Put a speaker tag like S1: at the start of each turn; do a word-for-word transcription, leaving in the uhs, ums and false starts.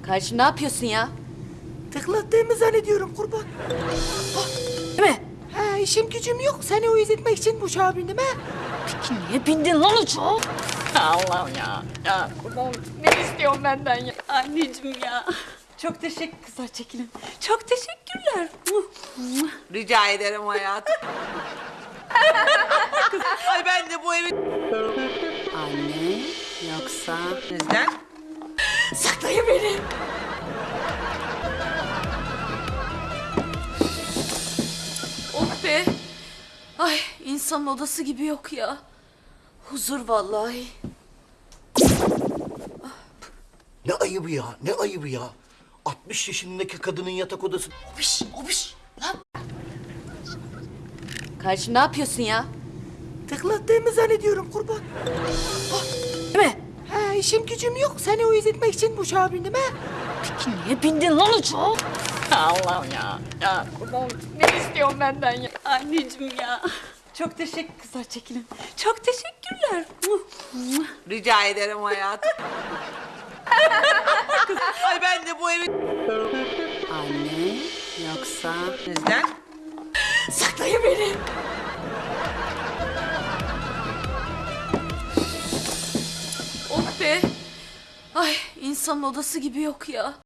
S1: Karşı ne yapıyorsun ya?
S2: Tıklattığımı zannediyorum kurban.
S1: Değil mi?
S2: Ha, işim gücüm yok. Seni uyuz etmek için bu uçağa bindim ha.
S1: Peki niye bindin lan uçağa? Allah'ım ya. Ya kurban ne istiyorsun benden ya? Anneciğim ya. Çok teşekkür kızlar çekilin. Çok teşekkürler.
S3: Rica ederim hayatım. Ay ben de bu evi...
S1: Anne yoksa...
S3: Neden?
S1: Saklayın beni. Oh be. Ay insanın odası gibi yok ya. Huzur vallahi.
S4: Ne ayıbı ya, ne ayıbı ya. altmış yaşındaki kadının yatak odası.
S1: Obiş, obiş. Lan. Karşı ne yapıyorsun ya?
S2: Tıklattığımı zannediyorum kurban.
S1: Değil mi?
S2: Ha, işim gücüm yok. Seni uyuz etmek için bu uçağa bindim ha.
S1: Peki niye bindin lan uçağa? Allah'ım ya. Ya kurban ne istiyorsun benden ya? Anneciğim ya. Çok teşekkür kızlar çekilin. Çok teşekkürler.
S3: Rica ederim hayatım. Ay ben de bu evi...
S1: Anne yoksa...
S3: Neden?
S1: Saklayın beni. Oh be. Ay insanın odası gibi yok ya.